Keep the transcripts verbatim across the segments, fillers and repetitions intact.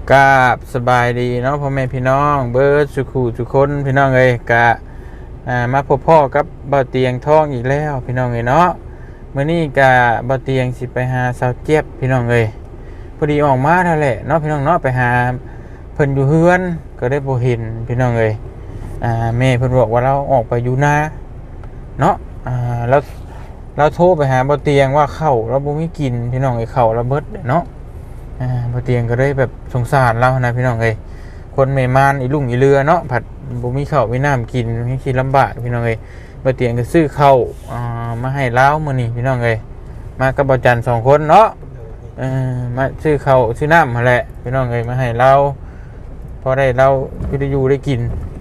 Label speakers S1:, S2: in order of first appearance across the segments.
S1: กราบสบายดีเนาะพ่อแม่พี่น้องเบิร์ดสุขูทุกคนพี่น้องเอ้ยกะอ่ามาพบพ่อกับบ่าวเตียงทองอีกแล้วพี่น้องเอ้ยเนาะมื้อนี้กะบ่าวเตียงสิไปหาสาวเจี๊ยบพี่น้องเอ้ยพอดีออกมานั่นแหละเนาะพี่น้องเนาะไปหาเพิ่นอยู่เฮือนก็ได้บ่เห็นพี่น้องเอ้ยอ่าแม่เพิ่นบอกว่าเราออกไปอยู่นาเนาะอ่าแล้วเราโทรไปหาบ่าวเตียงว่าข้าวเราบ่มีกินพี่น้องเอ้ยข้าวเราเบิดเนาะอ่าบ่เตียงก็ได้แบบสงสารเรานะพี่น้องเอ้ยคนแม่มานอีลุงอีเรือเนาะผัดบ่มีข้าวมีน้ำกินมีคิดลำบากพี่น้องเอ้ยบ่เตียงก็ซื้อข้าวอ่ามาให้ลาวมื้อนี้พี่น้องเอ้ยมากับบ่จันทร์สองคนเนาะเออมาซื้อข้าวซื้อน้ำหั่นแหละพี่น้องเอ้ยมาให้เราพอได้เราคือได้อยู่ได้กิน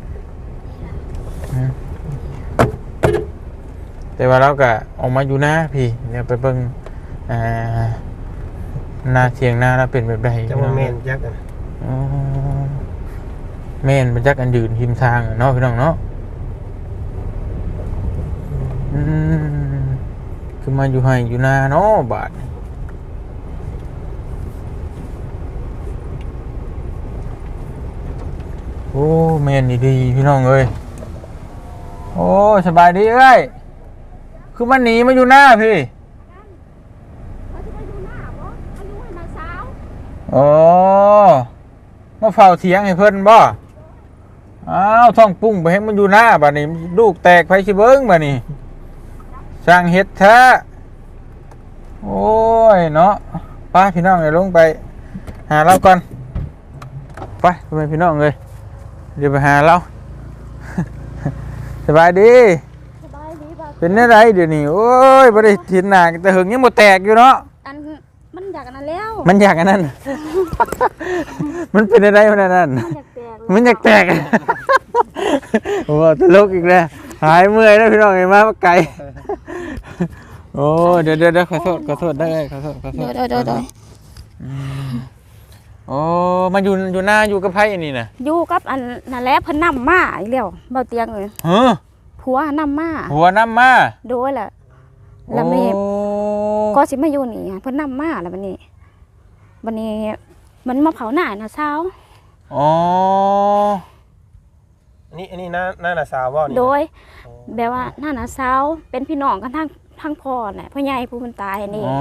S1: แต่ว่าเราก็ออกมาอยู่นะพี่เดี๋ยวไปเบิ่งอ่านาเทียงนาเราเป็นแบบใดจังว่าแม่นจักอ่ะอ๋อแม่นมันจักอันยืนหิมทางเนาะพี่น้องเนาะอืมคือมาอยู่ให้อยู่นาเนาะบาดโอ้แม่นดีๆพี่น้องเอ้ยโอ้สบายดีเอ้ยคือมันหนีมาอยู่หน้าพี่โอ้มาเฝ้าเถียงให้เพิ่นบ่อ้าวท้องปุ้งไปให้มันอยู่หน้าบัดนี้ลูกแตกไปสิเบิ่งบัดนี้สร้างเฮ็ดแท้โอ้ยเนาะไปพี่น้องเดี๋ยวลงไปหาเราก่อนไปไปพี่น้องเลยเดี๋ยวไปหาเรา สบายดีสบายดีบ่เป็นอะไรเดี๋ยวนี้โอ้ยบ่ได้ทินหน้าแต่หึงยังบ่แตกอยู่เนาะ
S2: อันมันอยากอันนั้นแล้ว
S1: มันอยากอันนั้น มันเป็นอะไรมันอันนั้นมันอยากแตกโอ้ตลกอีกแล้วหายเมื่อยแล้วพี่น้องไงมาไกลโอ้เดี๋ยวเดี๋ยวขอโทษขอโทษได้ขอโทษขอโทษ
S2: เดี๋ยวเดี๋ยวเดี๋ยว
S1: โอ้มาอยู่อยู่หน้าอยู่กับไพ่นี่นะ
S2: อยู่กับอันนั่นแหละเพิ่นนำมาอีกแล้วเบาเตียงเลย
S1: เฮ้อ
S2: ผัวนำมา
S1: ผัวนำมา
S2: โดยแหละแล้วมันนี่ก็สิมาอยู่นี่เพิ่นนำมาแล้วบัดนี้บัดนี้มันมาเผาหน้าน่ะเช้า
S1: อ๋อ
S3: อันนี้อันนี้หน้าหน้าหน้าสาวบ่นี่
S2: โดยแบบว่าหน้าน่ะเช้าเป็นพี่น้องกันทั้งทั้งพ่อน่ะพ่อใหญ่ผู้เพิ่นตายนี่
S1: อ๋อ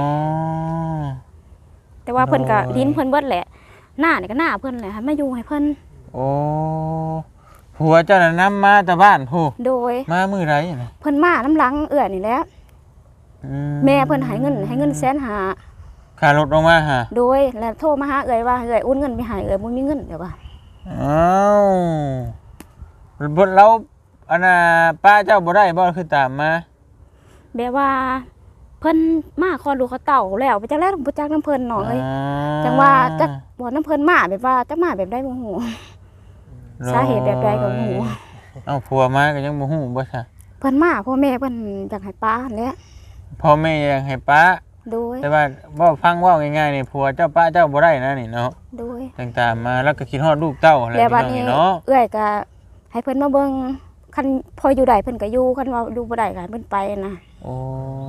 S2: แต่ว่าเพิ่นก็ลิ้นเพิ่นเบิดแหละหน้านี่ก็หน้าเพิ่นแหละมาอยู่ให้เพิ่น
S1: โอ้ผัวเจ้าน่ะนำมาแต่บ้านผู้
S2: โดย
S1: มามื้อไรน่ะ
S2: เพิ่นมาน้ำหลังเอื้อนี่แหละแม่เพิ่นให้เงินให้เงินแสนห้า
S1: ค่ารถลงมาฮะ
S2: โดยแล้วโทรมาหาเอื้อยว่าเอื้อยโอนเงินไปให้เอื้อยบ่มีเงินเดี๋ยวว่า
S1: อ้าวบ่เราอันน่ะป้าเจ้าบ่ได้บ่คือตามมา
S2: แบบว่าเพิ่นมาคอลูกเขาเต่าแล้วไปจักแล้วบ่จักน้ำเพิ่นน้องเอ้ยจังว่าจักบ่น้ำเพิ่นมาแบบว่าจักมาแบบใดบ่ฮู้สาเหตุแบบใดก็บ่ฮู้
S1: เอ้าผัวมาก็ยังบ่ฮู้บ่ซะ
S2: เพิ่นมาพ่อแม่เพิ่นอยากให้ป้าแหละ
S1: พ่อแม่อยากให้ป้า
S2: โดย
S1: แต่ว่าเว้าฟังเว้าง่ายๆนี่ผัวเจ้าป้าเจ้าบ่ได้นะนี่เนาะ
S2: โดย
S1: ต่างๆมาแล้วก็คิดฮอดลูกเต้าอะไรนี่เนาะ
S2: เอื้อยก็ให้เพิ่นมาเบิ่งคันพออยู่ได้เพิ่นก็อยู่คันว่าอยู่บ่ได้ก็ให้เพิ่นไปนะ
S1: โอ้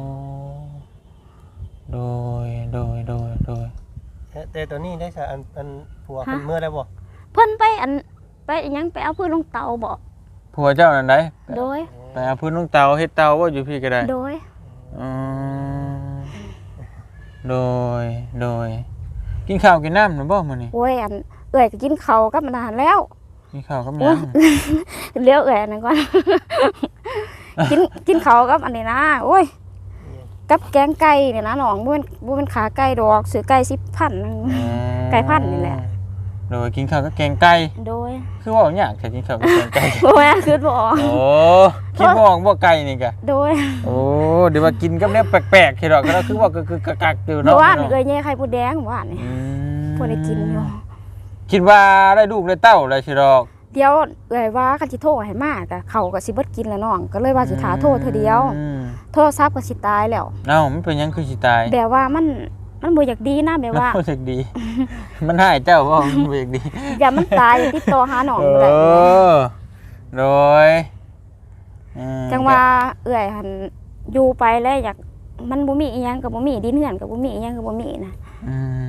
S1: โดยโดยโดยโดย
S3: แต่ตอนนี้ได้ซะอันอันผัวเพิ่นเมื่อได้บ่
S2: เพิ่นไปอันไปอีหยังไปเอาพื้นลงเตาบ่
S1: ผัวเจ้านั่นได้
S2: โดย
S1: ไปเอาพื้นลงเตาเฮ็ดเตาว่าอยู่พี่ก็ได้
S2: โดย
S1: อืมโดยโดยกินข้าวกินน้ำหรือบ่มื้อนี้
S2: โอ้ยอันเอื้อยก็กินข้าวกับมันนานแล้ว
S1: กินข้าวกับหยัง
S2: เลี้ยวเอื้อยนั่นก่อนกินกินข้าวกับอันนี้นะโอ้ยกับแกงไก่เนี่ยนะน้องบ่แม่นบ่แม่นขาไก่ดอกซื้อไก่สิบพันไก่พันนี่แหละ
S1: โดยกินข้าวกับแกงไก่
S2: โดย
S1: คือว่ายากแค่กินข้าวกับแกงไก่
S2: บ่แม่นคือบ่ออก
S1: โอ้คิดบ่ออกบ่ไก่นี่ก็
S2: โดย
S1: โอ้เดี๋ยวมากินกับแนวแปลกๆคิดดอกก็คือว่าก็คือกะกๆอยู่เนาะ
S2: ว่าเอ้ยแย่ไข่มดแดงว่านี่บ่ได้กินอยู่
S1: คิดว่าได้ลูกได้เต้าได้สิดอก
S2: เดี๋ยวเอ้ยว่าคันสิโทรให้มาก็เขาก็สิเบิดกินแล้วน้องก็เลยว่าสิท่าโทรเทื่อเดียวโทรศัพท์ก็สิตายแล้ว
S1: เอ้ามันเป็นหยังคือสิตาย
S2: แบบว่ามันมันบ่อยากดีนะแบบว่า
S1: บ่อยากดีมันหายเจ้าบ่มันบ่อยากดี
S2: อย่ามันตายติดต่อหาน้องบ่ได้
S1: เออโดย
S2: จังว่าเอื้อยหั่นอยู่ไปแล้วอยากมันบ่มีอีหยังก็บ่มีดินเฮือนก็บ่มีอีหยังก็บ่มีนะ
S1: อืมโด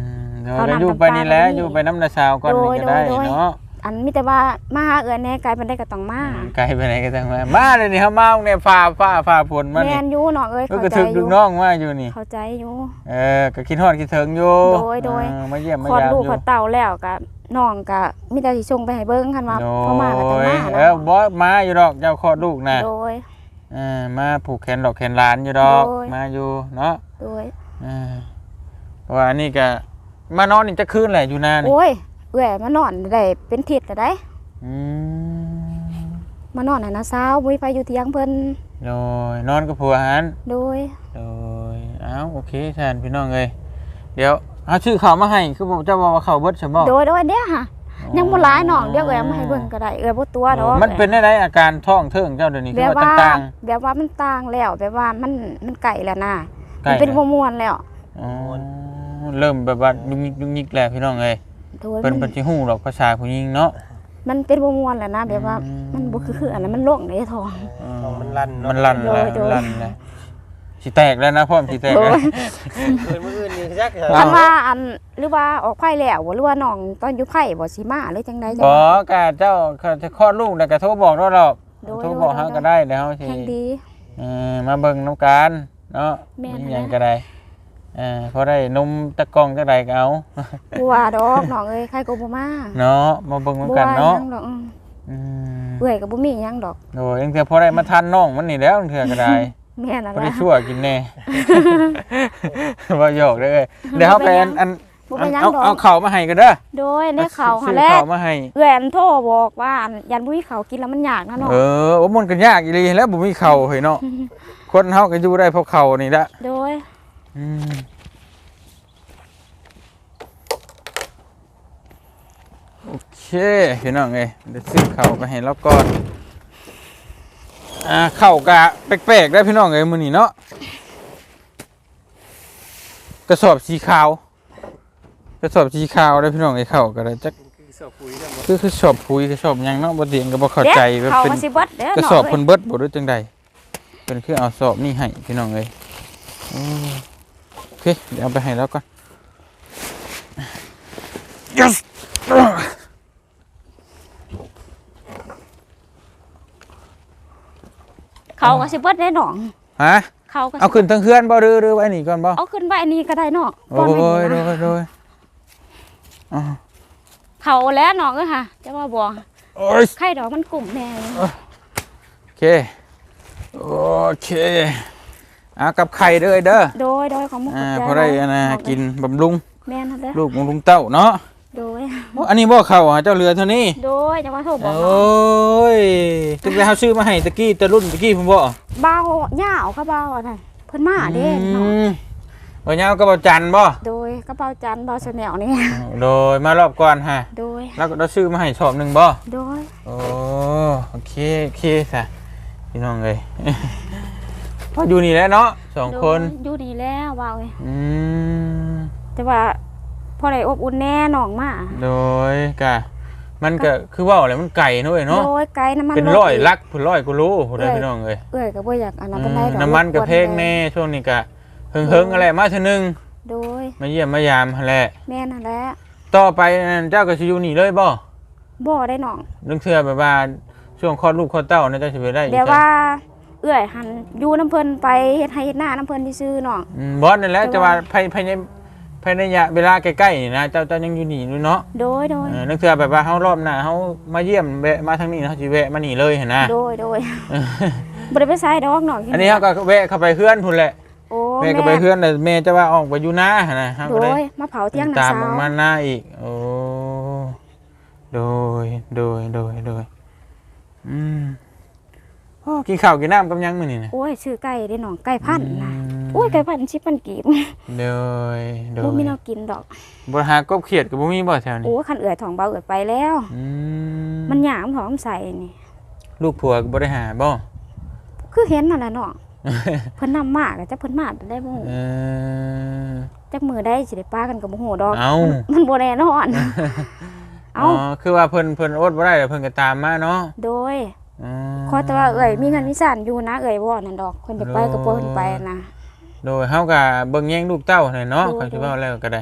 S1: เนาะก็อยู่ไปนี่แหละอยู่ไปน้ำนาชาวก่อนนี่ก็ได้เนาะ
S2: อันมีแต่ว่ามาหาเอื้อแน่ไกลปานใดก็ต้องมา
S1: ไกลไปไหนก็ต้องมามาเลยนี่เฮามาเนี่ยฟ้าฟ้าฟ้าฝนมา
S2: แม่
S1: นี่
S2: นอยู่น้องเอ้ย
S1: ก็
S2: เข้าก
S1: ระ
S2: ใจ
S1: ทึก
S2: อ
S1: ลู
S2: ยู่
S1: กน้องมาอยู่นี่
S2: เข้าใจอยู่
S1: เออก็คิดฮอดคิดถึงอยู่
S2: โดยโดย
S1: เออมาเยี่ยมมา
S2: คลอด
S1: ยาม
S2: ลูก
S1: อ
S2: คลอยู่ ดเต่าแล้วก็น้องก็มีแต่สิส่งไปให้เบิ่งคันว่า
S1: โด
S2: พอมาก็ต้อง
S1: ย
S2: มา
S1: เอ
S2: นะ
S1: อบ่มาอยู่ดอกเจ้าคลอดลูกน่ะ
S2: โดย
S1: เออมาผูกแขนดอกแขนหลานอยู่ดอก
S2: โดย
S1: มาอยู่เนาะ
S2: โดย
S1: เออเพราะว่าอันนี้ก็มานอนนี่จะคืนแหละอยู่นานนี่
S2: โอ้ยเอื้อยมานอนได้เป็นทิศแล้วได้
S1: อืม
S2: มานอนให้น้าสาวบ่มีไผอยู่เถียงเพิ่น
S1: โดยนอนกับผัวหัน
S2: โดย
S1: โดยเอ้าโอเคแทนพี่น้องเอ้ยเดี๋ยวเอาชื่อเขามาให้คือผมจะบอกว่าเขาเบิดใช่บ่
S2: โดยโดยเด้อค่ะยังบ่หลายน้องเดี๋ยวเอื้อยเอามาให้เบิ่งก็ได้เอื้อยบ่ตัวดอก
S1: มันเป็นได้ไรอาการท้องเทิงเจ้าเดี๋ยวนี้
S2: แบ
S1: คือบ ว่า
S2: ว่า
S1: ต่าง
S2: แบบว่ามันต่างแล้วแบบว่ามันมันไก่แล้วนะ
S1: ๆใกล้
S2: มันเป็น
S1: แล้ว
S2: บ่ม่วนแล้ว
S1: อ๋อเริ่มแบบว่ายุกยิกยุกยิกแล้วพี่น้องเอ้ย
S2: โดย
S1: เพิ่น
S2: มั
S1: เพิ่
S2: น
S1: นสิฮู้ดอกภาษาผู้หญิงเนาะ
S2: มันเป็นบ่ม่วนแล้วนะแบบว่า
S1: อืม
S2: มันบ่คือคืออันนั้นมันโล่งในท้อง
S3: ต้องมันลั่นเนาะ
S1: มันลั่น
S2: โด
S1: แล้ว
S2: ยโดย
S1: ลั่นแล้วสิแตกแล้วนะพ่อมสิแตก
S2: โด
S1: แล้ว
S2: ย
S3: เกินมื้ออื่นนี่จัก
S2: คันว่าอันหรือว่าออกไผ่แล้วบ่หรือว่าน้องตอนอยู่ไผ่บ่สิมาหรือจังไดจัง
S1: บ่กะเจ้าเขาจะคลอดลูกแล้วก็โทรบอกเราดอก
S2: โดย
S1: โทรบอกเฮาก็ได้เดี๋ยวเฮาสิ
S2: แห่งดี
S1: เออมาเบิ่งน้ำกันเนาะ
S2: แม่น
S1: มีหยังก็ได้เออพอได้นมตะกร้องจักใดก็เอา
S2: บ่ว่าดอกน้องเอ้ยใครก็บ่มา
S1: เนาะมาเบิ่ง
S2: บ่
S1: น้ำกัน
S2: ว่าห
S1: เนาะ
S2: ยังดอกอืม
S1: อืม
S2: เอื้อยก็บ่มีหยังดอก
S1: โอ้ยยังเถื่อพอได้มาทันน้องมันนี่แล้วเถื่อก็ได้
S2: แม่นั่น
S1: พอ
S2: แห
S1: ได้
S2: ละ
S1: ชั่วกินแน่ ว่าหยอกเด้อเดี๋ยวเฮาไปอันอัน
S2: บ่
S1: อั
S2: เป็น นหยัง
S1: เอา
S2: ดอก
S1: เอาข้าวมาให้กันเด้อ
S2: โดยในข่าว
S1: ซื้
S2: หั่
S1: อน
S2: แหละ
S1: ข้าวมาให้
S2: เอื้อยอันโทรบอกว่าอันยันบ่มีข้าวกินแล้วมันยากนะน้อง
S1: เออโอ้มันก็ยากอีหลีแล้วบ่มีข้าวเฮ้ยเนาะคนเฮาก็อยู่ได้เพราะข้าวนี่ละ
S2: โดย
S1: อืมโอเคพี่น้องเอ้ยเดี๋ยวซื้อข้าวไปให้เราก่อนอ่าข้าวกะแปลกๆได้พี่น้องเอ้ยมื้อนี้เนาะกระสอบสีขาวกระสอบสีขาวได้พี่น้องเอ้ยข้าวก็ได้จัก
S3: คือสอบปุ๋ยนำ
S1: คือคือสอบปุ๋ยกระสอบหยังเนาะบ่เตียงก็บ่เข้าใจว่า
S2: เขา
S1: เป็น
S2: มาสิเบิดเด้อก
S1: ระ
S2: น้
S1: สอบ
S2: เอ้
S1: เพิ่
S2: ย
S1: นเบิดบ่หรือจังใดเพิ่นคือเอาสอบนี่ให้พี่น้องเอ้ยอืมโอเคเดี๋ยวเอาไปให้แล้วก่อน yes
S2: เขาก็สิเบิดได้น้อง
S1: ฮะ
S2: เขาก็สิ
S1: เอาขึ้นทั้งเฮือนบ่หรือหรือไว้นี่ก่อนบ่
S2: เอาขึ้นไว้อันนี้ก็ได้น้อง
S1: โอ้
S2: ก่อนไว้
S1: ย
S2: นี่
S1: โด
S2: นะ
S1: ยโดยอ๋อ
S2: เขาแล้วน้องเอ้ยค่ะจะว่าบ่
S1: โอ้ย
S2: ไข่ดอกมันกลุ่มแน่
S1: โอเคโอเคเอากับไข่เด้อเด้อ
S2: โดยโดยของมุก
S1: อ่า
S2: ใจ
S1: พอได้อันน่ะ
S2: อง
S1: กินบำรุง
S2: แม่นนั่นแหละ
S1: ลูกบำรุงเต้าเนาะ
S2: โดย
S1: โอ้อันนี้บ่เข้าหาเจ้าเรือเท่านี้
S2: โดยจะว่าโทรบอก
S1: โอ้ยตึกแล้วเฮาซื้อมาให้ตะกี้แต่รุ่นตะกี้ผมบ่
S2: เบาหญ้าเอากระเบาอันนั้นเพิ่นมาเด้น้อง
S1: อืมบ่ยาวก็บ่จันบ่
S2: โดยกระเป๋าจันทร์เบาชาแนลนี่
S1: โดยมารอบก่อนฮะ
S2: โดย
S1: แล้วก็เราซื้อมาให้ชอบหนึงบ่
S2: โดย
S1: โอ้โอเคโอเคซะพี่น้องเอ้ย พออยู่นี่แหล้วเนาะสองคน
S2: โดยอยู่ดีแล้วว่าเอ้ย
S1: อืม
S2: แต่ว่าพอได้อบอุ่นแน่น้องมา
S1: โดยกะมันก็คือว่าอะไรมันไก่เนาะเว้ยเนาะ
S2: โดยไกลน้ำมัน
S1: เป็น
S2: ถ
S1: ร้อย
S2: ก
S1: ลักพุ่นร้อยกูรู้พุ่นได้พี่น้องเอ้ย
S2: เอ้ยก็บ่อยากอันนั้น
S1: อื
S2: เป็น
S1: ม
S2: ได้ดอก
S1: น้ำมันก็
S2: รบว
S1: แพงแน่ช่วงนี้ก็เฮิงๆอะไรมาเทื่อนึง
S2: โดย
S1: มาเยี่ยมมายามหั่นแหละ
S2: แม่นั่นแหละ
S1: ต่อไปนั่นเจ้าก็สิอยู่นี่เลยบ่
S2: บ่ได้น้อง
S1: นึกเทื่อแบบว่าช่วงคลอดลูกคลอดเต้าน่าจะสิไปได้อีก
S2: เดี๋ยวว่าเอื้อยหันอยู่น้ำเพิ่นไปเฮ็ดให้เฮ็ดหน้าน้ำเพิ่นซื่อๆน้อง
S1: อืมบอสนั่นแหละจะว่าภายภายในภายในระยะเวลาใกล้ๆนี่นะเจ้าเจ้ายังอยู่นี่อยู่เนาะ
S2: โดยโดย
S1: เออนึกเทื่อแบบว่าเฮารอบหน้าเฮามาเยี่ยมแวะมาทางนี้เฮาสิแวะมานี่เลยเห็นนะ
S2: โดยโดยบ่ได้ไปไสดอกน้อง
S1: อันนี้เฮาก็แวะเข้าไปเฮือนพุ่นแหละ
S2: โอ้
S1: แม่ก็ไปเฮือนแต่แม่จะว่าออกไปอยู่นาหั่นน่ะเฮา
S2: โด
S1: ก็เลย
S2: ยมาเผาเที่ยง
S1: ตา
S2: น้าม สา
S1: ออก
S2: ว
S1: มาหน้าอีกโอ้โดยโดยโดยโดยอืมโอ้กินข้าวกินน้ำกับยังมื้อนี่นะ
S2: โอ้ยชื่อไก่เด้น้องไก่พันธุ์นะ
S1: ม
S2: โอ้ยไก่พันธุ์สิบพันกีบ
S1: โดยโด
S2: บ่
S1: ย
S2: มีแนวกินดอก
S1: บ่หากบเขียดก็บ่มีบ่แถวนี้
S2: โอ้ยคันเอื้อยท้องเบาเอื้อยไปแล้ว
S1: อืม
S2: มันหยามท้องใส่นี่
S1: ลูกผัวก็บ่ได้หาบ่
S2: คือเห็นนั่นแหละน้องเพิ่นนำมาก็จักเพิ่นมาได้บ่ฮู้
S1: เออ
S2: จักมื้อได้สิได้ปากันก็บ่ฮู้ดอก
S1: เอ้า
S2: มันบ่แน่นอน
S1: อ๋
S2: เอ้า
S1: อคือว่าเพิ่นเพิ่นอดบ่ได้แล้วเพิ่นก็ตามมาเนาะ
S2: โดย
S1: อ๋อ
S2: ขอแต่ว่าเอื้อยมีเงินมีสานอยู่นะเอื้อยบ่นั่นดอกเพิ่นจะไปก็เพิ่นไปนะ
S1: โดยเฮาก็เบิ่งแย่งลูกเต้าให้เนาะ
S2: โดย
S1: เขาสิเว้าแล้วก็ได้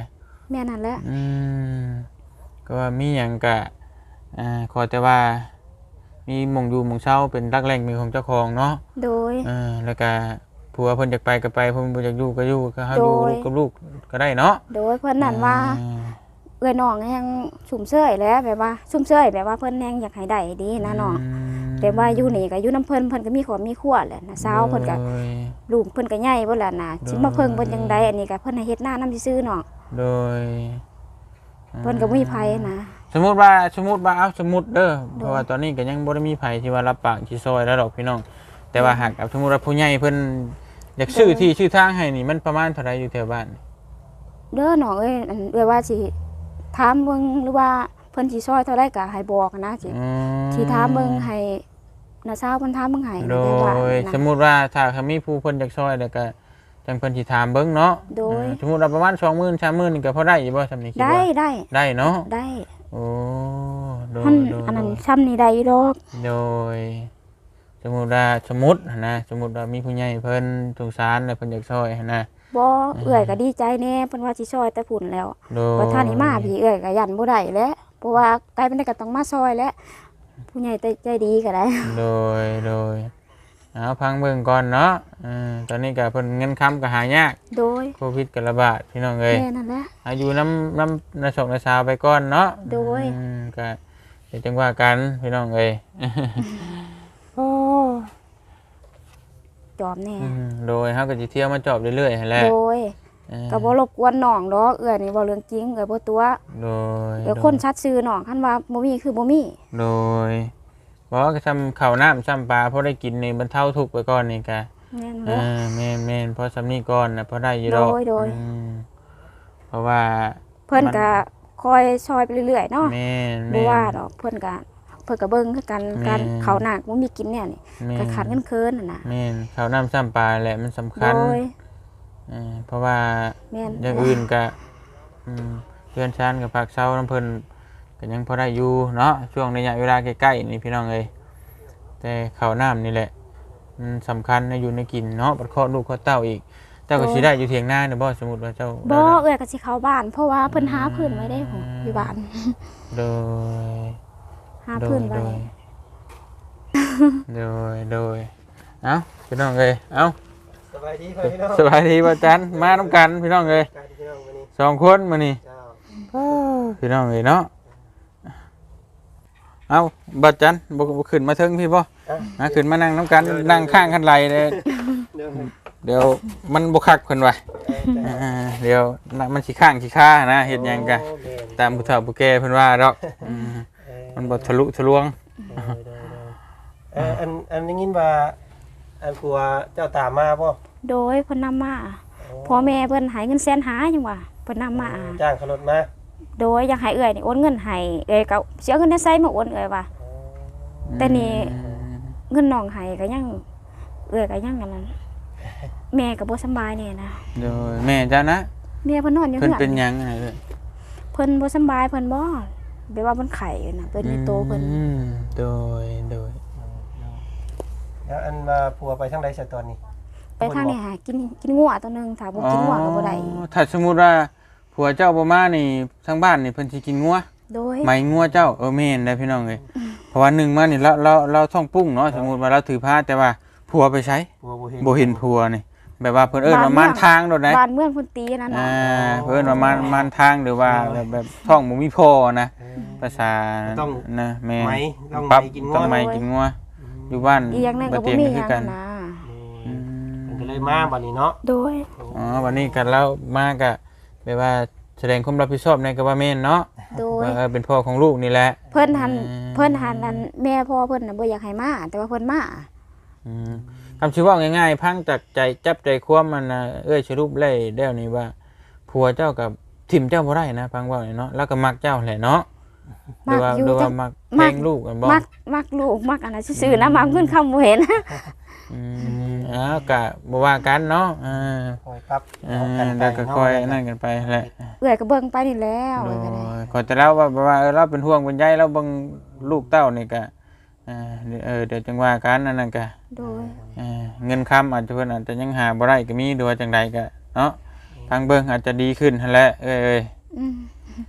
S2: แม่นั่นแหละ
S1: อืมก็ว่ามีหยังก็อ่าขอแต่ว่ามีหม่องอยู่หม่องเช่าเป็นรักแหล่งมีของเจ้าของเนาะ
S2: โดย
S1: เออแล้วก็ผัวเพิ่นอยากไปก็ไปเพิ่นบ่อยากอยู่ก็อยู่ก็เฮาอยู่
S2: โดย
S1: ลูกกับลูกก็ได้เนาะ
S2: โดยเพิ่นนั่นว่า
S1: อ่า
S2: เอ้ยน้องแฮงสุ่มเสยแหล้วแบบว่าสุ่มเสยแบบว่าเพิ่นแฮงอยากให้ได้ดีนะน้องแต่ว่าอยู่นี่ก็อยู่นํเพิ่นเพิ่นก็มีครอบมีครัวแหละนะสาวเพิ่นก็
S1: โดย
S2: ลูกเพิ่นก็ใหญ่เบิดแล้วนะสิมาเพิ่งเพิ่นจังไดอันนี้ก็เพิ่นให้เฮ็ดหน้านำซื่อๆน้อง
S1: โดย
S2: เพิ่นก็บ่มีไผนะ
S1: สมมุติว่าสมมุติว่าเอาสมมุติเด้อเพราะว่าตอนนี้ก็ยังบ่ได้มีไผที่ว่ารับปากสิซอยแล้วดอกพี่น้องแต่ว่าหากเอาสมมุติว่าผู้ใหญ่เพิ่นอยากซื้อที่ชื่อทางให้นี่มันประมาณเท่าไหร่อยู่แถวบ้าน
S2: เด้อน้องเอ้ยอันเอ้ยว่าสิถามเบิ่งหรือว่าเพิ่นสิซอยเท่าใดก็ให้บอกนะสิ
S1: อืม
S2: สิถามเบิ่งให้น้าสาวเพิ่นถามเบิ่งให้
S1: โด
S2: แต่ว่าย
S1: สมมุติว่าถ้าเขามีผู้เพิ่นอยากซอยแล้วก็จังเพิ่นสิถามเบิ่งเนาะ
S2: โดย
S1: อ่าสมมุติว่าประมาณ สองหมื่น สามหมื่นนี่ก็พอได้อยู่บ่สำนี้คิด
S2: ได้
S1: ว่า
S2: ได้
S1: ได้เนาะ
S2: ได้
S1: โอ้โดย
S2: มัน
S1: โดย
S2: อันนั้นซ้ำนี่ได้อยู่ดอก
S1: โดยสมมุติว่าสมมุติหั้นนะสมมุติว่ามีผู้ใหญ่เพิ่นสงสารแล้วเพิ่นอยากซอยหั้นนะ
S2: บ่เอื้อยก็ดีใจแน่เพิ่นว่าสิซอยแต่พุ่นแล้ว
S1: โดย
S2: ว่าท่านนี้มาพี่เอื้อยก็ยันบ่ได้แหล้วเพราะว่าไกลเป็นได้ก็ต้องมาซอยแหล้วผู้ใหญ่ใจดีก็ได้
S1: โดยโดยเอาพังเบิ่งก่อนเนาะอืมตอนนี้ก็เพิ่นเงินค้ำก็หายาก
S2: โดย
S1: โควิดก็ระบาดพี่น้องเอ้ย
S2: แม่นั่นแหละ
S1: อายุน้ำน้ำนาชกนาชาวไปก่อนเนาะ
S2: โดย
S1: อืมก็เดี๋ยวจังว่ากันพี่น้องเอ้ย โอ้
S2: จอมแน่
S1: อืมโดยเฮาก็สิเที่ยวมาจอบเรื่อยๆหั่นแหละ
S2: โดย
S1: เออ
S2: ก็บ่รบกวนน้องดอกเอื้อยนี่บ่เรื่องจริงเอื้อยบ่ตัว
S1: โดย
S2: เดี๋ยวคนชัดชื่อน้องคันว่าบ่มีคือบ่มี
S1: โดยบ่ก็ทำข้าวน้ำซ้ำปลาพอได้กินนี่บรรเทาทุกข์ไปก่อนนี่ก็
S2: แม่น
S1: เอ
S2: แหละ
S1: อแม่นๆพอสำนี้ก่อนน่ะพอได้อยู่ดอก
S2: โดยโดย
S1: อืมเพราะว่า
S2: เพิ่นก็คอยซอยไปเรื่อยๆเนาะ
S1: แม่น
S2: บ่
S1: แม่น
S2: ว่าดอกเพิ่นก็เพิ่นก็เบิ่งคือกัน
S1: แม่น
S2: การข้าวหนักบ่มีกินเนี่ยนี่
S1: แม่น
S2: ก็ขาดเงินเคินน่ะนะ
S1: แม่นข้าวน้ำซ้ำปลาแหละมันสำคัญ
S2: โดย
S1: เออเพราะว่า
S2: แม่น
S1: อย่างอื่นก็อืมเพื่อนชานกับภาคเช้าน้ำเพิ่นก็ยังพอได้อยู่เนาะช่วงระยะเวลาใกล้ๆนี่พี่น้องเอ้ยแต่ข้าวน้ำนี่แหละมันสำคัญนะอยู่ในกินเนาะบัดเคาะลูกเคาะเต้าอีกเจ้าก็สิได้อยู่เถียงนาเนี่ยบ่สมมุติว่าเจ้า
S2: บ่
S1: ได้
S2: เอ้อยก็สิเข้าบ้าน เพราะว่าเพิ่นหาพื้นไว้ได้ผมอยู่บ้าน
S1: โดย
S2: หา
S1: โด
S2: พื้
S1: ย
S2: นไว้
S1: โดยโดยโดยเอ้าพี่น้องเอ้ยเอ้า
S3: สบายดีพี่น้อง
S1: สบายดีบ่จันมานํกันพี่น้องเอ้ย
S3: การพี่น้องวันนี้
S1: สองคนมื้อนี้
S3: เจ้า
S1: พี่น้องเอ้ยเนาะเอาบัดจันบ่บ่ขึ้นมาเทิงพี่บ่
S3: อ่ะ
S1: มาขึ้นมานั่งน้ำกันนั่งข้างคันไหลเลย
S3: เดี๋ยว
S1: เดี๋ยวมันบ่คักเพิ่นว่า
S3: เออ
S1: อ่าเดี๋ยวน่ะมันสิข้างสิค่านะเฮ็ดหยังกะ
S3: โอ้แม่น
S1: ตามผู้เฒ่าผู้แก่เพิ่นว่าดอกอืม
S3: เออ
S1: มันบ่ทะลุทะลวง
S3: เออเออเอออันอันนี้ยินว่าอันกลัวเจ้าตามมาบ่
S2: โดยเพิ่นนำมาพ่อแม่เพิ่นให้เงินแสนหาจังว่าเพิ่นนำมา
S3: จ้างขนมมา
S2: โดยอยากให้เอื้อยนี่โอนเงินให้เอ้อยก็สิเอาเงินได้ไสมาโอนเอ้อยว่า แต่นี่ เงินน้องให้ก็ยังเอื้อยก็ยังอันนั้นแม่ก็บ่สำบายแน่นะ
S1: โดยแม่เจ้านะ
S2: แม่เพิ่นนอนอยู่
S1: เพิ่น
S2: เฮือน
S1: เป็นหยังไงเด้อ
S2: เพิ่นบ่สำบายเพิ่นบ่แบบว่าเพิ่นไข้อยู่น่ะเพิ่นมีโตเพิ่น
S1: อืมโดยโดย
S3: แล้วอันมาผัวไปทางใดซะตอนนี้
S2: ไปทางนี้หากินกินงัวตัวหนึงถ้าบ่กินงัวก็บ่ได้
S1: อ๋อถ้าสมมุติว่าผัวเจ้าบ่มานี่ทางบ้านนี่เพิ่นสิกินงัว
S2: โดย
S1: ไหมงัวเจ้าเออแม่นได้พี่น้องเอ้ยเพราะว่าหนึ่งมานี่เราเราเราท้องปุ้งเนาะสมมุติว่าเราถือผ้าแต่ว่าผัวไปใช้
S3: ผัวบ่เห็น
S1: บ่เห็นผัวนี่แบบว่าเพิ่นเอิ้นว่าม่านทางโดดได้
S2: บ้านเมืองเพิ่นตีนั่น
S1: อ่า
S2: น่ะ
S1: เพิ่นว่าม่านม่านทางหรือว่าแบบแบบท้องบ่มีพ่อนะ
S3: เออ
S1: ภาษานะแม่
S3: ไหมต้อง
S1: ปั๊บ
S3: ไหมกินงัว
S1: ต้องไหมกินงัวอยู่บ้าน
S2: อีกอย่างหนึงก็บ่
S1: เตียง
S2: มี
S1: นี่
S2: ห
S1: คื
S2: ยั
S1: อง กัน
S2: นะ
S1: อืม
S3: มันก็เลยมาบัดนี้เนาะ
S2: โดย
S1: อ๋อวันนี้กันแล้วมาก็แบบว่าแสดงความรับผิดชอบในกับว่าแม่นเนาะ
S2: โดย
S1: ว่าเออเป็นพ่อของลูกนี่แหละ
S2: เพิ่นหัน
S1: อืม
S2: เพิ่นหันนั่นแม่พ่อเพิ่นน่ะบ่อยากให้มาแต่ว่าเพิ่นมา
S1: อืมคำชื่อว่าง่ายๆ พังจากใจจับใจความมันนะเอ้ยสรุปเลยเดี๋ยวนี้ว่าผัวเจ้ากับทิมเจ้าบ่ได้นะพังว่าเนาะแล้วก็มักเจ้าแหละเนาะหรือว่าหรือว่ามักเพลงลูกกันบ่
S2: มักมักลูกมักอันนั้นซื่อๆนะมักเพิ่นคำบ่เห็น
S1: อืมอ้าวก็บ่ว่ากันเนาะอ่า
S3: คอยปรับ
S1: อ่า
S3: กันไป
S1: แล้วก็ค่อย
S3: เาะ
S1: นั่นกันไปแหละ
S2: เอื้อยก็เบิ่งไปนี่แล้ว
S1: โด
S2: เอ้ยก็ได้
S1: ยขอจะเล่าว่าว่าเออเราเป็นห่วงเป็นใยเราเบิ่งลูกเต้านี่ก็อ่าเออเดี๋ยวจังว่ากันนั่นน่ะก็
S2: โดย
S1: เอ่อเงินค้ำอาจจะเพิ่นอาจจะยังหาบ่ได้ก็มีหรือว่าจังใดก็เนาะทางเบิ่งอาจจะดีขึ้นหั่นแหละเอ้ย
S2: อืม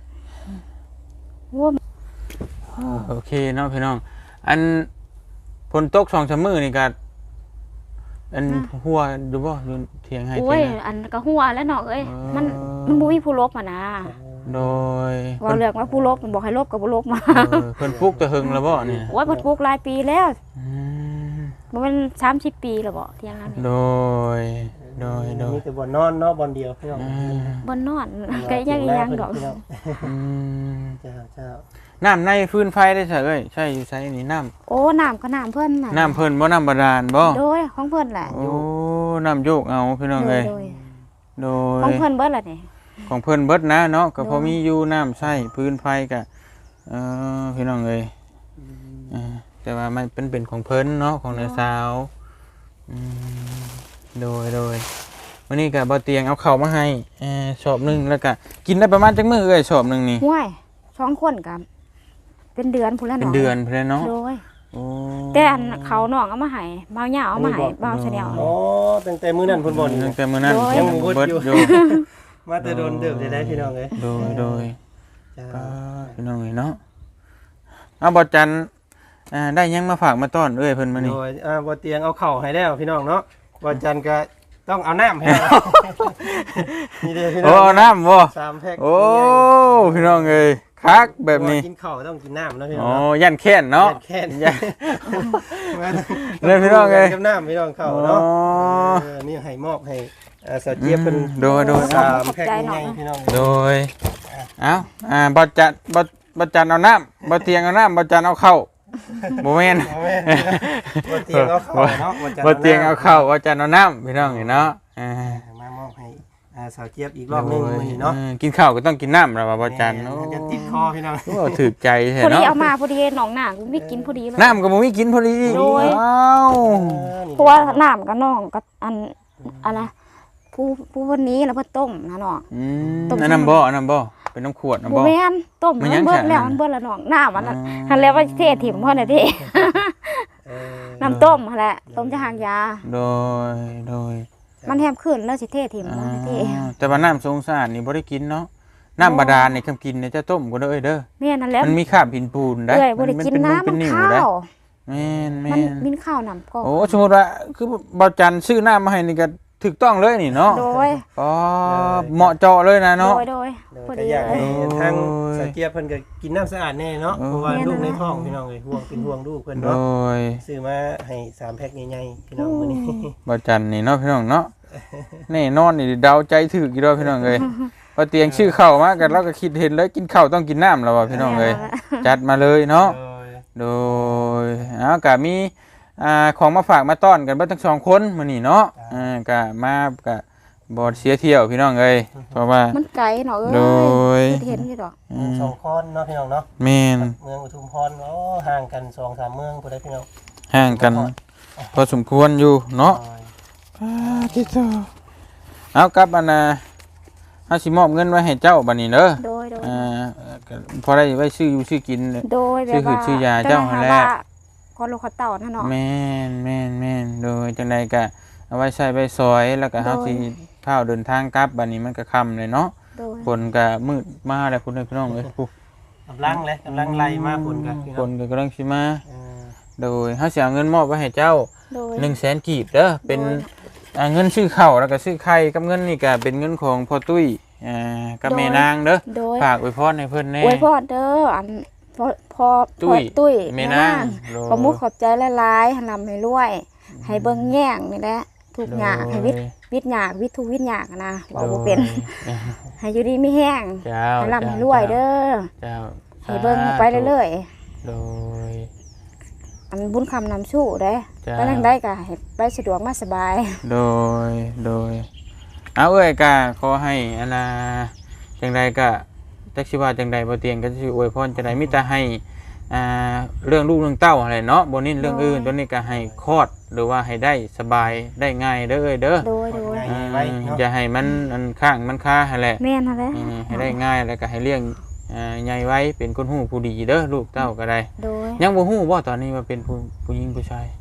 S2: ว่า
S1: โอเคเนาะพี่น้องอันฝนตกสองสามมื้อนี่ก็อันหัวดูบ่อยู่เถียงให้
S2: โอ้
S1: เถี
S2: ย
S1: ยงนะ
S2: อันก็หัวแล้วเนาะเอ้ย
S1: เออ
S2: มันมันบ่มีผู้ลบอ่ะนะ
S1: โดย
S2: ว่าเรื่องว่าผู้ลบมันบอกให้ลบก็บ่ลบมา
S1: เออเพิ่นปลุกแต่หึงแล้วบ่นี่
S2: โอ้ยเพิ่นปลูกหลายปีแล้ว
S1: อืม
S2: บ่แม่นสามสิบปีแล้วบ่เที่ยงนั้น
S1: โดยโดยโดย
S3: มีแต่บ่นอนเนาะบ่อนเดียวพี่น้อง
S1: อืม
S2: บ่นอนก็ยังอีหยังดอก
S3: พี่น้อง
S1: อืม
S3: เจ้าเจ้า
S1: น้ำในฟืนไฟได้ใช่เอ้ยใช่อยู่ใช้นี่น้ำ
S2: โอ้น้ำก็น้ำเพิ่นน่ะ
S1: น้ำเพิ่นบ่น้ำบาดาลบ่
S2: โดยของเพิ่นแหละ
S1: โอ้น้ำโยกเอาพี่น้อง
S2: โด
S1: เอ้
S2: ย
S1: ย
S2: โดย
S1: โด
S2: ของ
S1: ย
S2: เพิ่นเบิดล่ะนี่
S1: ของเพิ่นเบิดนะเนาะก็พอ
S2: โดย
S1: มีอยู่น้ำใช้พื้นไฟก็เออพี่น้องเอ้ยเออแต่ว่ามันเป็นเป็นของเพิ่นเนาะของน้าสาวอืมโดยโดยวันนี้ก็บ่เตียงเอาข้าวมาให้เออชอบหนึงแล้วก็กินได้ประมาณจักมื้อเอ้ยชอบหนึงนี่
S2: ห้วยสองคนก็เป็นเดือนพุ่นแล้ว
S1: เป็น
S2: เนาะ
S1: เดือนพุ่นเลยเนาะ
S2: โดย
S1: โอ้
S2: แต่อันเขาน้องเอามาให้บ่าวเหยาเอามาให้บ่าวชะแนล
S3: อ๋อตั้งแต่มื้อนั้นเพิ่นบ่นี่
S1: ตั้งแต่มื้อนั้น
S2: โดย
S3: ยังบ่เบิด
S1: เบิด
S3: อยู่
S1: อยู่
S3: มาแต่โดนเดิบได้ได้พี่น้องเอ้ย
S1: โดยโดย
S3: จ้า
S1: ก็พี่น้องเอ้ยเนาะเอาบ่จันอ่าได้หยังมาฝากมาต้อนเอ้ยเพิ่นมานี่
S3: โดยอ่าบ่เตียงเอาเข้าวให้แล้วพี่น้องเนาะบ่จันก็ต้องเอาน้ำให้เรานี่เด้อพี่น้
S1: โอ้
S3: อง
S1: เอาน้ำบ่
S3: สามแพ็ค
S1: โอ้พี่น้องเอ้ยคักแบบนี้
S3: กินข้าวต้องกินน้ำนะพี่น้
S1: อ๋
S3: อ
S1: อง ยันแค้นเนาะ
S3: แค่นี้
S1: ยัน เลยพี่น้องเอ้ย
S3: กับน้ำพี่น้องเข้าเนาะ
S1: อ๋อ
S3: เออนี่ให้มอบให้อ่าสาวเจี๊ยบเป็น
S1: อืมโดยโดย
S3: สามแพ็คใหญ่ๆพี่น้อง
S1: โดยเอ้าอ่าบ่จันบ่บ่จันเอาน้ำบ่เตียงเอาน้ำบ่จันเอาเข้าวบ่แม่น
S3: เอาแม่บ่เตียงเอาเข้าวเนาะ
S1: บ่เตียงเอาเข้าวบ่จันเอาน้ำพี่น้องเอ้ยเนาะอ่าม
S3: ามอบให้อ่าสาวเจี๊ยบอีกรอบหนึงมื้อนี้เนาะ
S1: ออกินข้าวก็ต้องกินน้ำแล้วว่าบ่จัน
S3: แม่
S1: โอ้
S3: จะติดคอพี่น้อง
S1: โอ้ถูกใจแท้
S2: พอดี
S1: เนาะ
S2: เอามาพอดีหนองหน้ากูไม่กินพอดีเลย
S1: น้ำก็บ่มีกินพอดี
S2: โดย
S1: อ้าว
S2: เพราะว่าน้ำกับน้องก็อันอะไรผู้ผู้วันนี้แล้วเพิ่นต้มนะน้อง
S1: อืม
S2: ต้ม
S1: อันนั้นบ่อันนั้นบ่เป็นน้ำขวดนะ
S2: บ่
S1: บ่
S2: แม่นต้ม
S1: มั
S2: มัน น
S1: ยัง
S2: เบิด
S1: แข็ง
S2: แล้ว
S1: นะ
S2: มันเบิดแล้วน้องน้ำมันน่ะ
S1: อ๋อ
S2: หันแล้วว่าเทถิ่มเพิ่นน่ะเด้
S3: เออ
S2: น้ำต้มหั่นแหละต้มจะหางยา
S1: โดยโดย
S2: มันแฮมขึ้นแล้วสิเทถิ่ม
S1: อ่า
S2: บ่สิเท
S1: แต่ว่าน้ำสงสารนี่บ่ได้กินเนาะน้ำบาดาลนี่คำกินเนี่ยจะต้มก็ได้เอ้ยเด้อ
S2: แม่นั่นแหละ
S1: มันมีคราบหินปูนได้
S2: เอ้ยบ่ได้
S1: มั
S2: กิน
S1: เป็น
S2: น้ำ
S1: เป็
S2: มัน น
S1: นิ่ว
S2: ข้า
S1: ได้
S2: ว
S1: แม่นแม่
S2: มัน
S1: น
S2: มินข้าวน้ำก็
S1: โอ้สมมุติว่าคือบ่าวจันซื้อน้ำมาให้นี่ก็ถูกต้องเลยนี่เนาะ
S2: โดย
S1: อ๋อเหมาะเจาะเลยนะ
S2: โด
S1: เนาะ
S2: ยโดย
S3: เดี๋ยว
S2: พอ
S3: ก็
S2: ดี
S3: อยาก
S2: เล
S3: ให้
S2: ย
S3: ทาง
S1: โอ้ย
S3: สาวเจี๊ยบเพิ่นก็กินน้ำสะอาดแน่เนาะ
S1: โอ้ย
S3: เพราะว่า
S2: แม่น
S3: ลูกใน
S2: นะ
S3: ท้องพี่น้องเอ้ยห่วงเป็นห่วงลูกเพิ่น
S1: โด
S3: เนาะ
S1: ย
S3: ซื้อมาให้สามแพ็คใหญ่ๆพี่น้องมื้อนี้
S1: บ่าวจันนี่เนาะพี่น้องเนาะแน่นอนนี่เดาใจถูกอยู่แล้วพี่น้องเอ้ยพอเตียงชื่อเข้ามากันเราก็คิดเห็นเลยกินข้าวต้องกินน้ำแล้วว่ะพี่น้องเอ้ยจัดมาเลยเนาะ
S3: โดย
S1: โดยเอากะมีอ่าของมาฝากมาต้อนกันเบิดทั้งสองคนมื้อนี้เนาะอ่ากะมากะบ่เสียเที่ยวพี่น้องเอ้ยเพราะว่า
S2: มันไกลเนาะเอ้
S1: โดย
S2: ยเห็นอยู่ดอก
S1: อืม
S3: สองคนเนาะพี่น้องเนาะ
S1: แม่น
S3: เมืองอุทุมพรโอ้ห่างกันสองสามเมืองพุ่นได้พี่น้อง
S1: ห่างกันพอสมควรอยู่เนาะ
S3: โดย
S1: อ่าที่เจ้าเอากลับอันน่ะเฮาสิมอบเงินไว้ให้เจ้าบัดนี้เด้อ
S2: โดยโดย
S1: อ่าก็พอได้ไว้ซื้ออยู่ซื้อกิน
S2: โดยแบบ
S1: ชื่อคือ
S2: ว่า
S1: ชื่อยาเจ้าหั่นแหละ
S2: ว่าขอลูกขอเต่านะเนาะ
S1: แม่นแม่นแม่นโดยจังใดก็เอาไว้ใช้ไว้ซอยแล้วก็เฮา
S2: โดย
S1: สิพาเดินทางกลับบัดนี้มันก็ค่ำเลยเนาะ
S2: โดย
S1: ฝนก็มืดมาแล้วคุณพี่น้องเอ้ยผู้
S3: กำลังเลยกำลังไล่มาฝนกันพี่
S1: ฝ
S3: น้อง
S1: นก็กำลังสิมา
S3: เออ
S1: โดยเฮาสิเอาเงินมอบไว้ให้เจ้า
S2: โดย
S1: หนึ่งแสนกีบเด้อเป็น
S2: โดย
S1: อ่าเงินซื้อข้าวแล้วก็ซื้อไข่กับเงินนี่ก็เป็นเงินของพ่อตุ้ยอ่ากับแม่นางเด้อ
S2: โดย
S1: ฝากอวยพรให้เพิ่นแน่
S2: อวยพรเด้ออันพอพอ
S1: ตุ้ย
S2: พอตุ้ย
S1: แม่นางโดย
S2: ขอมุกขอบใจหลายๆให้นำให้รวย ให้เบิ่งแย่งนี่แหละทุกอย่างให้วิทย์วิทย์ยากวิทย์ทุกวิทย์ยากนะบอกบ่เป็น
S1: โดย
S2: ให้อยู่ดีมีแห้ง
S1: เจ้า
S2: ให้ร่ำให้รวยเด้อ
S1: เจ้า
S2: ให้เบิ่งไปเรื่อย
S1: โดย
S2: ๆอันบุญคำนำชู้เด้
S1: จ้า
S2: ไปทางใดก็ให้ไปสะดวกมาสบาย
S1: โดย โดย เอาเอ้ยก็ขอให้อันนาจังใดก็จักสิว่าจังใดบ่เตียงก็สิอวยพรจังใดมีแต่ให้อ่าเรื่องลูกเรื่องเต้าอะไรเนาะบ่นิ่นเรื่องอื่นตัวนี้ก็ให้คลอดหรือว่าให้ได้สบายได้ง่ายเด้อเอ้ยเด้อ
S2: โดยโดย
S1: อ่าอย่าให้มันอันข้างมันคาให้แหละ
S2: แม่นหั่นแหละ
S1: อืมให้ได้ง่ายแล้วก็ให้เลี้ยงอ่าใหญ่ไว้เป็นคนฮู้ผู้ดีเด้อลูกเต้าก็ได้
S2: โดย
S1: ยังบ่ฮู้บ่ตอนนี้ว่าเป็นผู้ผู้หญิงผู้ชาย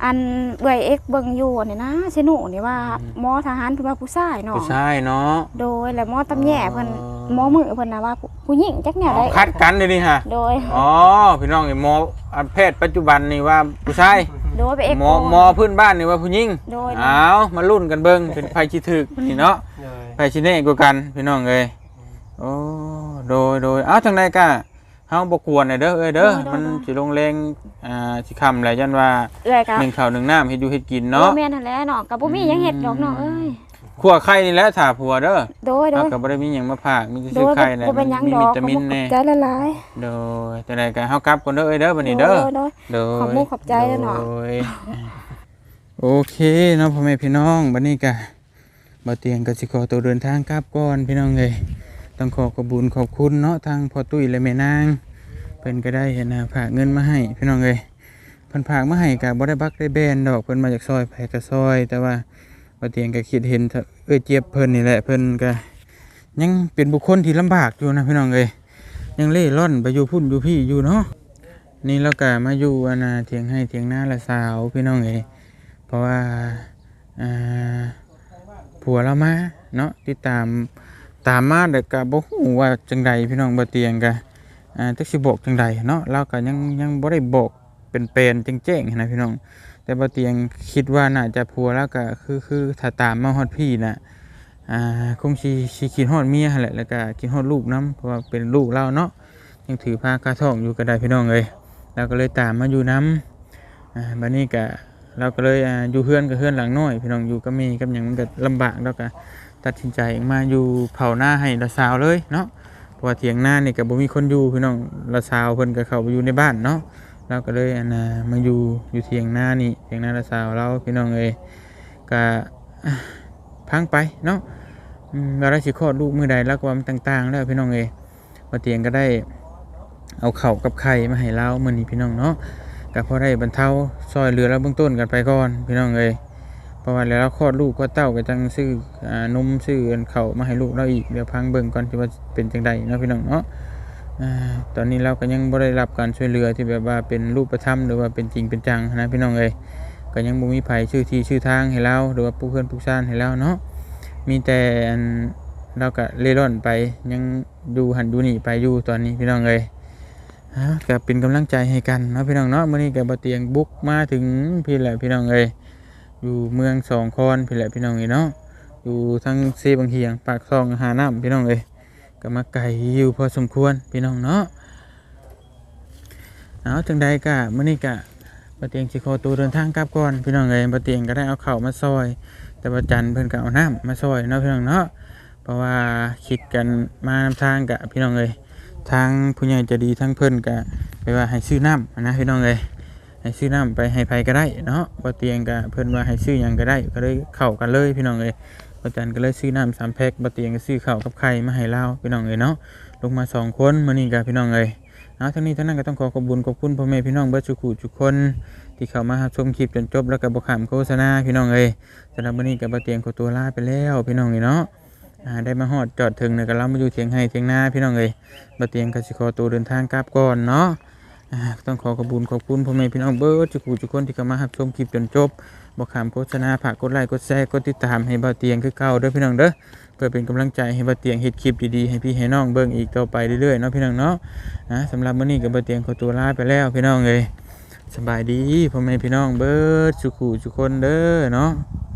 S2: อันเอื้อยเอ็กเบิ่งอยู่นี่นะเชนูนี่ว่าหมอทหารเพิ่นว่าผู้ชายเนาะ
S1: ผู้ชายเนาะ
S2: โดยแล้วหมอตำแย่เพิ่น
S1: อ๋อ
S2: หมอมือเพิ่นน่ะว่าผู้ผู้หญิงจักแนวใด
S1: คัดกันเลยนี่ฮะ
S2: โดย
S1: อ๋อพี่น้องไอ้หมออันแพทย์ปัจจุบันนี่ว่าผู้ชาย
S2: โดยไปเอ็ก
S1: หมอหมอพื้นบ้านนี่ว่าผู้หญิง
S2: โดย
S1: อ้าวมาลุ้นกันเบิ่งเป็นไผสิถึกนี่เนาะ
S3: เลย
S1: ไผสิแน่กว่ากันพี่น้องเอ้ยโอ้โดยโดยเอ้าจังได๋กะเฮาบ่กวนน่ะเด้อเอ้ยเด้อมันสิลงแรงอ่าสิค่ำแหละยันว่า
S2: เอื้อยก็
S1: หนึ่งข้าวหนึ่งน้ำเฮ็ดอยู่เฮ็ดกิน
S2: เนาะ
S1: เนาะ
S2: แม่นนั่นแหละเนาะก็บ่มีหยังเฮ็ดดอกเนาะเอ้ย
S1: ขัวไข่นี่แหละถ้าผัวเด้อ
S2: โดยโด
S1: เรา
S2: ย
S1: ก็บ่ได้มีหยังมาพากมีแต่
S2: โด
S1: ซื้อย ไข่แหละ
S2: บ่เป็นหยัง
S1: มี
S2: ดอ
S1: วิ
S2: ก
S1: ตามินแน่
S2: ใจละลาย
S1: โดยจังได๋ก็เฮากลับก่อนเด้อเอ้ยเด้อบัดนี้เด้อ
S2: โดย
S1: โดย
S2: ขอบคุณขอบใจเด้อเนาะ
S1: โดยโอเคเนาะพ่อแม่พี่น้องบัดนี้ก็บ่เตียงก็สิขอตัวเดินทางกลับก่อนพี่น้องเอ้ยต้องขอขอบคุญขอบคุณเนาะทางพ่อตุ้ยและแม่นางเพิ่นก็ได้เห็นนะฝากเงินมาให้พี่น้องเอ้ยเพิ่นฝากมาให้ก็บ่ได้บักได้แบนดอกเพิ่นมาจากซอยไผก็ซอย แต่ว่าบ่เตียงก็คิดเห็นเถอะเอ้ยเจี๊ยบเพิ่นนี่แหละเพิ่นก็ยังเป็นบุคคลที่ลำบากอยู่นะพี่น้องเอ้ยยังเล่ร่อนไปอยู่พุ่นอยู่พี่อยู่เนาะนี่แล้วก็มาอยู่อันน่ะเถียงให้เถียงหน้าละสาวพี่น้องเอ้ยเพราะว่าอ่าผัวเรามาเนาะติดตามตามมาแต่ก็บ่ฮู้ว่าจังใดพี่น้องบ่เตียงก็อ่าจักสิบอกจังใดเนาะเราก็ยังยังบ่ได้บอกเป็นเป็นแจ้งๆนะพี่น้องแต่บ่เตียงคิดว่าน่าจะผัวแล้วก็คือคือถ้าตามมาฮอดพี่น่ะอ่าคงสิสิคิดฮอดเมียหั่นแหละแล้วก็คิดฮอดลูกนํเพราะว่าเป็นลูกเราเนาะยังถือผ้ากาท้องอยู่ก็ได้พี่น้องเอ้ยเราก็เลยตามมาอยู่นํอ่าบัดนี้ก็เราก็เลยอ่าอยู่เฮือนกับเฮือนหลังน้อยพี่น้องอยู่กับแม่กับหยังมันก็ลำบากแล้วก็ตัดสินใจมาอยู่เผาหน้าให้ละสาวเลยเนาะเพราะว่าเถียงหน้านี่ก็บ่มีคนอยู่พี่น้องละสาวเพิ่นก็เข้าไปอยู่ในบ้านเนาะเราก็เลยอันน่ะมาอยู่อยู่เถียงหน้านี่เถียงหน้าละสาวเราพี่น้องเอ้ยก็อ่ะพังไปเนาะอืมเราได้สิคลอดลูกมื้อใดแล้วก็ว่ามันต่างๆแล้วพี่น้องเอ้ยว่าเตียงก็ได้เอาข้าวกับไข่มาให้เรามื้อนี้พี่น้องเนาะก็พอได้บรรเทาซอยเหลือแล้วเบื้องต้นกันไปก่อนพี่น้องเอ้ยเพราะว่าแล้วคลอดลูกก็เต้าก็จังซื้ออ่านมซื้ออันข้าวมาให้ลูกเราอีกเดี๋ยวพังเบิ่งก่อนที่ว่าเป็นจังใดเนาะพี่น้องเนาะอ่าตอนนี้เราก็ยังบ่ได้รับการช่วยเหลือที่แบบว่าเป็นรูปธรรมหรือว่าเป็นจริงเป็นจังนะพี่น้องเอ้ยก็ยังบ่มีไผชื่อที่ชื่อทางให้เราหรือว่าผู้เพื่อนผู้ซ่านให้เราเนาะมีแต่อันเราก็เล่ร่อนไปยังดูหันดูนี่ไปอยู่ตอนนี้พี่น้องเอ้ยอ่าก็เป็นกำลังใจให้กันเนาะพี่น้องเนาะมื้อนี้ก็บ่เตียงบุกมาถึงพี่แหละพี่น้องเอ้ยอยู่เมืองสองคอนพี่แหละพี่น้องเอ้ยเนาะอยู่ทั้งเซบางเฮียงปากซองหาน้ำพี่น้องเอ้ยก็มาไกลอยู่พอสมควรพี่น้องเนาะเอาจังใดก็มื้อนี้ก็บ่เตียงสิขอตัวเดินทางกลับก่อนพี่น้องเอ้ยบ่เตียงก็ได้เอาข้าวมาซอยแต่ว่าจันเพิ่นก็เอาน้ำมาซอยเนาะพี่น้องเนาะเพราะว่าคิดกันมานำทางกับพี่น้องเอ้ยทางผู้ใหญ่ใจะดีทั้งเพิ่นก็ไปว่าให้ซื้อน้ำนะพี่น้องเอ้ยให้ซื้อน้ำไปให้ไผก็ได้เนาะบ่เตียงก็เพิ่นว่าให้ซื้อหยังก็ได้ก็เลยเข้ากันเลยพี่น้องเอ้ยบ่จันก็เลยซื้อน้ำสามแพ็คบ่เตียงก็ซื้อข้าวกับไข่มาให้เราพี่น้องเอ้ยเนาะลงมาสองคนมื้อนี้ก็พี่น้องเอ้ยเอาทั้งนี้ทั้งนั้นก็ต้องขอขอบคุณขอบคุณพ่อแม่พี่น้องเบิดทุกผู้ทุกคนที่เข้ามารับชมคลิปจนจบแล้วก็บ่ข้ามโฆษณาพี่น้องเอ้ยสำหรับมื้อนี้ก็บ่เตียงขอตัวลาไปแล้วพี่น้องเอ้ยเนาะอ่าได้มาฮอดจอดถึงเนี่ยก็เรามาอยู่เถียงให้เถียงนาพี่น้องเอ้ยบ่เตียงก็สิขอตัวเดินทางกลับก่อนเนาะอ่าต้องขอขอบคุณขอบคุณพ่อแม่พี่น้องเบิดทุกผู้ทุกคนที่เข้ามารับชมคลิปจนจบบ่ข้ามโฆษณาฝากกดไลค์กดแชร์กดติดตามให้บ่เตียงคือเก่าเด้อพี่น้องเด้อเพื่อเป็นกำลังใจให้บ่เตียงเฮ็ดคลิปดีๆให้พี่ให้น้องเบิ่งอีกต่อไปเรื่อยๆเนาะพี่น้องเนาะอ่าสำหรับมื้อนี้ก็บ่เตียงขอตัวลาไปแล้วพี่น้องเอ้ยสบายดีพ่อแม่พี่น้องเบิดทุกผู้ทุกคนเด้อเนาะ